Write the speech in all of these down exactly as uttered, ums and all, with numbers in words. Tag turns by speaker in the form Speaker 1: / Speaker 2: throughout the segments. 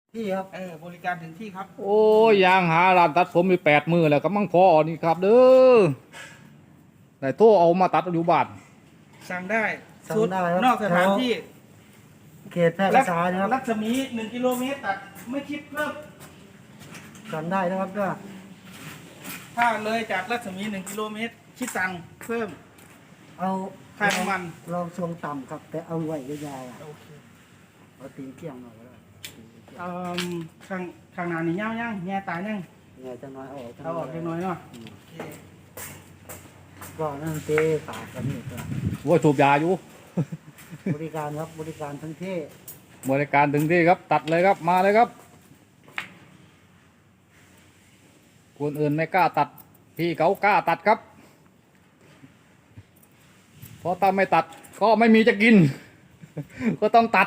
Speaker 1: ที่ครับ
Speaker 2: เออบริการถึงที่ครับ
Speaker 3: โอ้ยยางหาร้านตัดผมมีแปดมือแล้วก็มั่งพอนี่ครับเด้อได้โทรเอามาตัดอยู่บ้าน
Speaker 2: สั่งได้
Speaker 1: สั่ง
Speaker 2: สุด
Speaker 1: ได้ครับ
Speaker 2: นอกสถานที่
Speaker 1: เขตแพร่กษานะครับ
Speaker 2: รัศมีหนึ่งกิโลเมตรตัดไม่คิดเพิ่ม
Speaker 1: สั่งได้นะครับก็
Speaker 2: ถ้าเลยจากรัศมีหนึ่งกิโลเมตรคิดตังค์เพิ่ม
Speaker 1: เอา
Speaker 2: ค่าน้ำมัน
Speaker 1: ลองทรงต่ำครับ แต่เอาไว้ยาวๆอะ
Speaker 2: โอเค
Speaker 1: เอาตีนเกี่ยงหน่อยก็ได้ตีนเกี่ยง
Speaker 2: เอ่อข้างข้างหน้านี่เงายังแง่ตายยัง
Speaker 1: ไงจะน้อยเอาออก
Speaker 2: เอาออกเล็กน้อยเนาะ
Speaker 1: อืม
Speaker 2: โอเค
Speaker 1: ก็นั่นเตะปากกันนี่ก็
Speaker 3: ว่าสูบยาอยู่
Speaker 1: บริการครับบริการทั้งเท่
Speaker 3: บริการถึงที่ครับตัดเลยครับมาเลยครับคนอื่นไม่กล้าตัดพี่เขากล้าตัดครับเพราะถ้าไม่ตัดก็ไม่มีจะกิน ก็ต้องตัด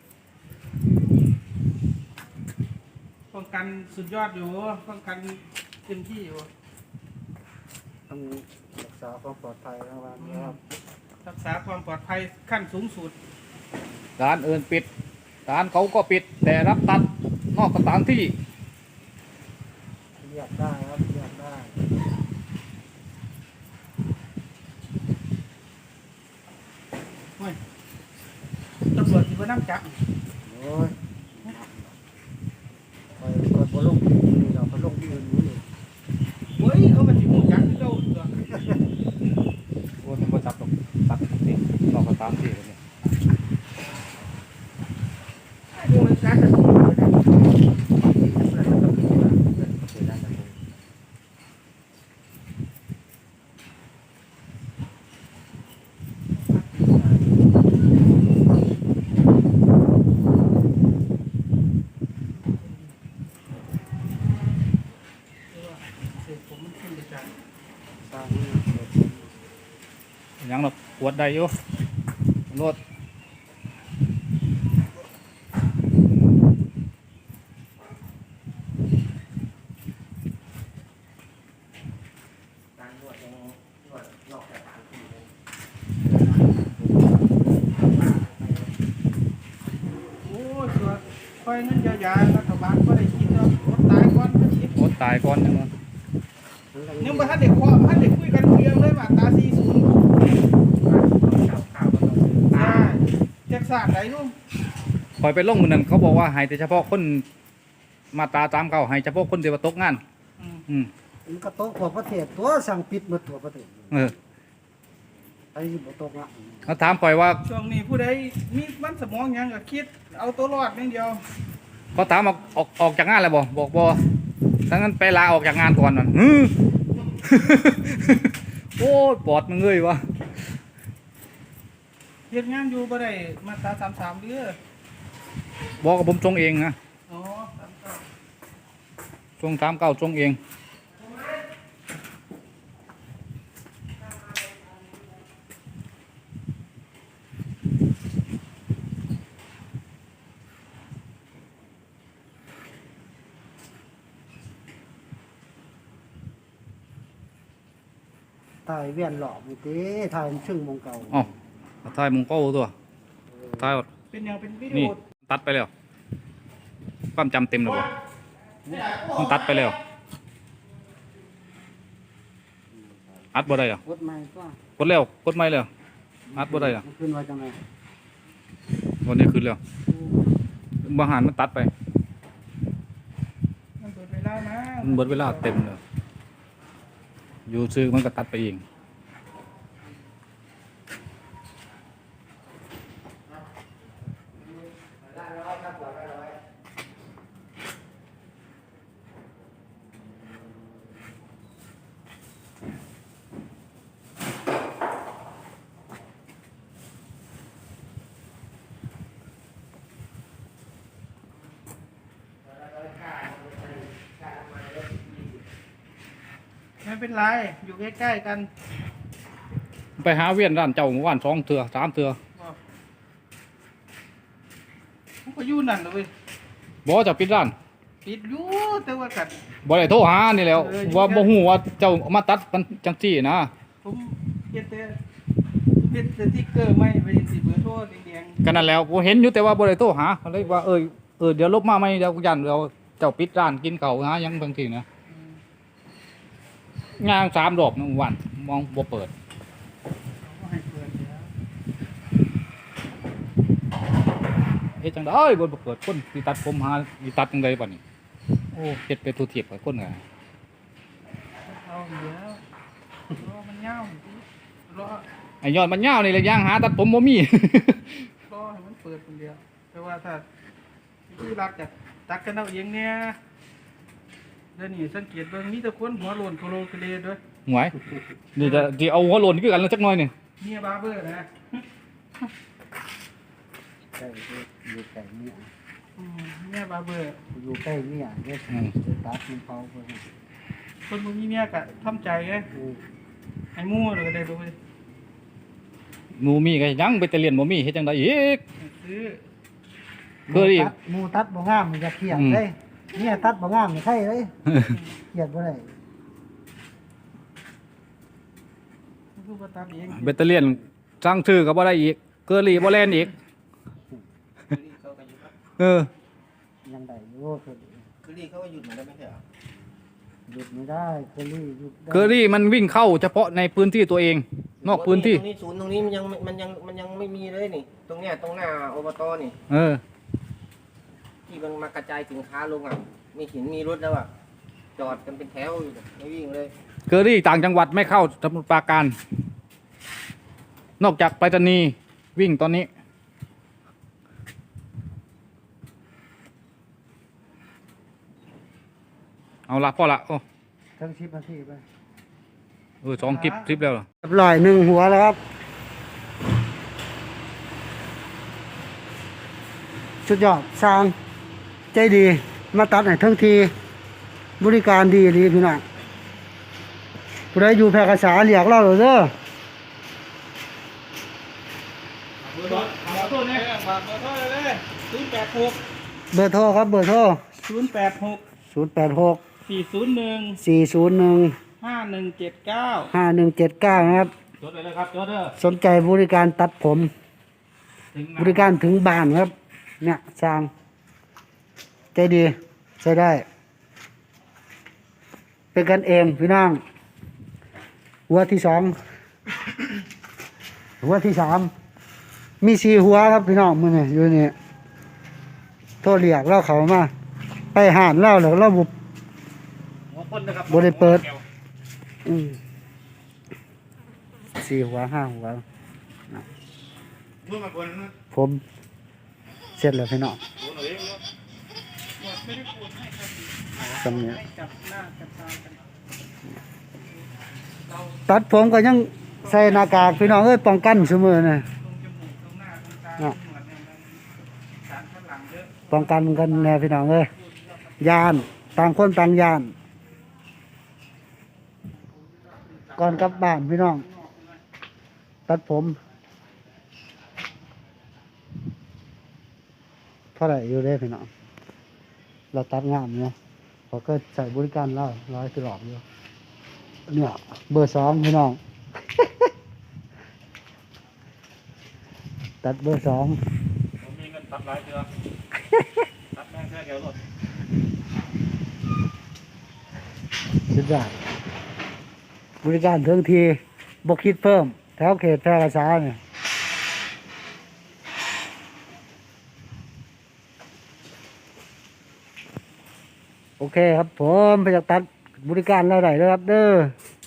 Speaker 2: ป้องกันสุดยอดอยู่ป้องกันเต็มที่อยู่
Speaker 1: ต้องรักษาความปลอดภัยนะครับนะครับ
Speaker 2: รักษาความปลอดภัยขั้นสูงสุด
Speaker 3: ร้านอื่นปิดร้านเขาก็ปิดแต่รับตัดนอกสถานที่
Speaker 1: เรียกได้ครับเรียกได้
Speaker 2: โอ้ยตำรวจที่ว่าน้ำจับ
Speaker 1: โอ้ยไปกดบอลลงนี่เราบอลลงที่อื่นนี่
Speaker 2: เฮ้ยเขามาจิมูจักที่เราตัว
Speaker 3: คนบริษัทตกตัดที่นอกสถานที่เลยเนี่ย
Speaker 2: พวกมันจักจะถูกเลยนะเสร็จผมมันขึ้นไปจัง
Speaker 1: สร้างให้เกิด
Speaker 3: ยังหรอกปวดได้อยู่รถ
Speaker 1: การนวดยังนวดนอกสถานที่เลย
Speaker 2: โอ้ยส่วนคอยเงินเยียวยารัฐบาลก็ได้คิดเนาะอดตายก่อนก็คิด
Speaker 3: รถตายก่อนจังเลย
Speaker 2: ยังบ่ทันได้ขอทันได้คุยกันรู้เรื่องเลยว่าตาสี่ศูนย์
Speaker 1: ข้าวข้าวก็ต้องซื้อ
Speaker 2: ใช่แจ็คสันได้อยู่
Speaker 3: คอยไปลงมือนั้นเขาบอกว่าให้แต่เฉพาะคนมาตราตามเขาให้เฉพาะคนเดียวตกงาน
Speaker 2: อืม
Speaker 3: อืม
Speaker 1: มันก็โต๊ะทั่วประเทศตัวสั่งปิดหมดทั่วประเทศ
Speaker 3: เออ
Speaker 1: ไอ้ที่บ่โต๊ะละ
Speaker 3: เขาถามคอยว่า
Speaker 2: ช่วงนี้ผู้ใดมีมันสมองหยังก็คิด เอาตัวรอดอย่างเดียว
Speaker 3: เขาถามออกออกออกจากงานแล้วบ่บอกบ่ถ้างั้นไปลาออกจากงานก่อนนั่น ฮึ โอ้ยปอดมันเงยวะ
Speaker 2: เฮ็ดงานอยู่บ่ได้มาตราสามสามเด้อ
Speaker 3: บอกกับผมส่งเองนะ
Speaker 2: อ๋อสามสาม
Speaker 3: ส่งตามเก้าส่งเอง
Speaker 1: ถ่ายเวียนหลอกนี่ติถ่ายชึ่งมงเก่า
Speaker 3: อ๋อถ่ายมุงเก้าตัวถ่าย
Speaker 2: เป็นหยังเป็นวิดี
Speaker 3: นี่
Speaker 2: โอ
Speaker 3: ตัดไปแล้วความจำเต็มแล้วบ่มันตัดไปแล้วอัดบ่ได้เหรอก
Speaker 1: ดใหม่ก็
Speaker 3: กดแล้วกดไม่แล้วอัดบ่ได้เหรอ
Speaker 1: มันขึ้นว่าจังไง
Speaker 3: วันนี้ขึ้นแล้วบางหันมันตัดไป
Speaker 2: มันเปิดเวลานะ
Speaker 3: มันเบิดเวลาเต็มเลยอยู่ซื้อมันก็ตัดไปเอง
Speaker 2: ไม่เป็นไรอยู่ใกล้ๆกัน
Speaker 3: ไปหาเวียนร้านเจ้าเมื่อวานสองเถื่อสามเถื่อ
Speaker 2: บอกผมก็อยู่นั่นเลย
Speaker 3: บอกว่าจะปิดร้าน
Speaker 2: ปิดอยู่แต่ว่ากัด
Speaker 3: บ่ได้โทรหานี่แหล้ว
Speaker 2: เอออยู่
Speaker 3: ว่าบ่ฮู้ว่าเจ้ามาตัดกันจังซี่นะ
Speaker 2: ผมเฮ็ดแต่เฮ็ดสติ๊กเกอร์ไม่ไปสิเบอร์โทรแดง
Speaker 3: ก็นั่นแหล้วผมเห็นอยู่แต่ว่าบ่ได้โทรหาก็เลยว่าเอ้ยเออเดี๋ยวลบมาไหมเดี๋ยวยันเราเจ้าปิดร้านกินเขาวนะยังบางทีนะ
Speaker 2: อืม
Speaker 3: งานสามดอกหนึ่งวันมองบ่เปิด
Speaker 2: เขาก็ให้เปิดเดี๋ยว
Speaker 3: เฮ็ดจังได้บ่บ่เปิดคนสิตัดผมหาสิตัดจังไดบัดนี้โอ้เฮ็ดไปทุเทียบกับคนน่ะ
Speaker 2: เอาเดี๋ยวรอมันยาวสิรอ
Speaker 3: ไอ้ยอดมันยาวนี่แหละย่างหาตัดผมบ่มี
Speaker 2: รอให้มันเปิดคนเดียวแต่ว่าถ้าที่รักจะตักกันเอาเองเนี่ยเดี๋ยวนี้สังเกตเบิ่งมีแต่คนหัวโลนโคโลกเลด้วย
Speaker 3: หวยนี่จะสิเอาหัวโลนคือกันแล้วจักหน่อยนี่
Speaker 2: เมียบาร์เบอร์นะ
Speaker 1: ใกล้อยู่ใกล้เนี่ย
Speaker 2: อืมเมียบาร์เบอร์
Speaker 1: อยู่ใกล้เนี่ยเนี่ยจะตัดมันเผาเพิ่น
Speaker 2: คนบ่มีเมียก็ทำใจไง
Speaker 1: อือ
Speaker 2: ให้หมู่เลยก็ได้รู้เลย
Speaker 3: หนูมีก็ยังไปแต่เรียนบ่มีเฮ็ดจังไดอีก
Speaker 2: ซื้อ
Speaker 3: เคยดิ
Speaker 1: ตัดหมูตัดบ่งามมันจะเครียด
Speaker 3: อืม
Speaker 1: เลยเนี่ยตัดบ่งามนี่ใครเลยเครียดบ่ได้
Speaker 2: คือบ่ตัดเอง
Speaker 3: เบตเตอเลียนสร้างชื่อก็บ่ได้อีกเกอรี่บ่แล่นอีกเออ
Speaker 1: ยังได้อยู่คือ
Speaker 4: คือรีเขาก็หยุดเหมือนกันไม่ใช่เหรอ
Speaker 1: หยุดไม่ได้เคอรี่หยุดได้
Speaker 3: เกอรี่มันวิ่งเข้าเฉพาะในพื้นที่ตัวเอง นอกพื้นที่
Speaker 4: ตรงนี้ศูนย์ตรงนี้มันยังมันยังมันยังไม่มีเลยนี่ ตรงเนี้ยตรงหน้าอบตนี่
Speaker 3: เออ
Speaker 4: ที่มันมากระจายสินค้าลงอ่ะ มีหินมีรถแล้วอ่ะ จอดกันเป็นแถวอยู่ไม่วิ่งเลย
Speaker 3: เกอรี่ต่างจังหวัดไม่เข้าสมุทรปราการ นอกจากไปรษณีย์วิ่งตอนนี้ เอาละพ่อละโอ้
Speaker 1: ทั้งสิบนาทีไป
Speaker 3: เออสองคลิปคลิปแล้วเหรอ
Speaker 1: เรียบร้อยหนึ่งหัวแล้วครับสุดยอดสร้างใจดีมาตัดให้ทั้งทีบริการดีดีพี่น้องผู้ใดอยู่แพร่กษาเรียกเราเลยเด้อ
Speaker 2: เบอร์โทรเนี่ยฝากเบอร์โทรเลยศูนย์แปดหก
Speaker 1: เบอร์โทรครับเบอร์โทร
Speaker 2: ศูนย์แปดหก
Speaker 1: ศูนย์แปดหก
Speaker 2: สี่ศูนย์หนึ่ง
Speaker 1: สี่ศูนย์หนึ่ง
Speaker 2: ห้าหนึ่งเจ็ดเก้า
Speaker 1: ห้าหนึ่งเจ็ดเก้านะครับ
Speaker 3: จดไปเลยครับจดเด้อ
Speaker 1: สนใจบริการตัดผม
Speaker 3: ถึง
Speaker 1: บริการถึงบ้านครับ เนี่ยสร้างใจดีใช้ได้ เป็นกันเองพี่น้องหัวที่สองหัวที่สามมีสี่หัวครับพี่น้องมือนี่อยู่นี่โทรเรียกเล่าเขามาไปหานเล่าแล้วเล่าบุบ
Speaker 3: หัวคนนะครับ
Speaker 1: บ่ได้เปิด อืมสี่หัวห้าหัว
Speaker 3: เมื่อมาคนนะ
Speaker 1: ผมเสร็จแล้วพี่น้อง
Speaker 3: โอ้หน่อยเอง
Speaker 2: หมดไม่ได้ปวดให้ครับ
Speaker 1: สำเนียง
Speaker 2: ให้จับหน้าจับตากันเรา
Speaker 1: ตัดผมก็ยังใส่หน้ากากพี่น้องเอ้ยป้องกันเสมอนะ
Speaker 2: ตรงจมูกตรงหน้าตรงตาตรงหนวดเนี่ยมันสารข้างหลังเยอะ
Speaker 1: ป้องกันกันแน่พี่น้องเอ้ยยานต่างคนต่างยาน ก่อนกลับบ้านพี่น้อง ตัดผมเท่าไหร่อยู่ได้พี่น้องเราตัดงามเนาะเขาก็ใส่บริการเราร้อยตลอดอยู่เนี่ยเบอร์สองพี่น้อง ตัดเบอร์สอง
Speaker 3: ผมมีเงินตัดหลายเดือนตัดแม่งแค่เดียวหมด
Speaker 1: สุดยอดบริการถึงทีบกคิดเพิ่ม แถวเขตแพร่กษาเนี่ยโอเคครับผมไปจากตัดบริการเราได้เลยครับเด้อ